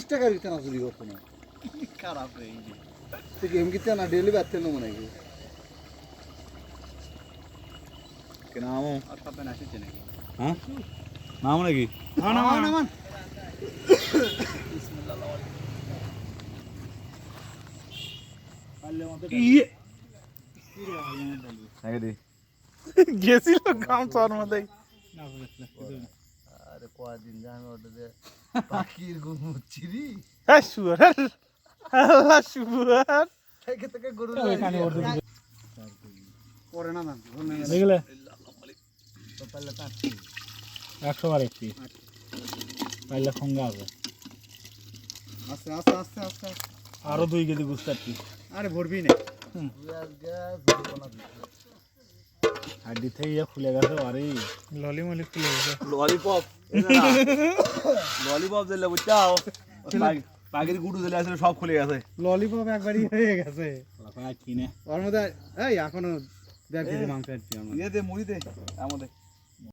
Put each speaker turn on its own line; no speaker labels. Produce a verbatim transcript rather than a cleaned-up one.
টাকা দিতে না চুরি করতো না
খারাপ হয়ে গেছে
তুই গেম কিনতে না ডেলি বাড়তে না মনে হয়
কেনামো
আর পাবে না আসছে নাকি
হ্যাঁ নাম নাকি
না না না মান
ইয়ে আগে দে
গেছিল গামছার মধ্যে
আরে কয়দিন জানি ওটা যে পাখির ঘুম চিরি
হ্যাঁ শুয়ার আল্লাহ শুয়ার
থেকে থেকে গরু পরে না না
দেখলে
তো পারলে তার
একশো বার একটি পাইলে খঙ্গা আছে
আস্তে আস্তে আস্তে আস্তে
আরো দুই কেজি গুস্ত আর কি
আরে ভরবি না
হাড্ডি থেকে ইয়ে খুলে গেছে আরে ললি মলি খুলে গেছে
ললিপপ ললিপপ দিলে বুঝছাও পাখির গুটু দিলে আসলে সব খুলে গেছে
ললিপপ একবারই হয়ে গেছে
কিনে
ওর মধ্যে এই এখনো দেড় কেজি মাংস আছে
ইয়ে দে মুড়ি দে আমাদের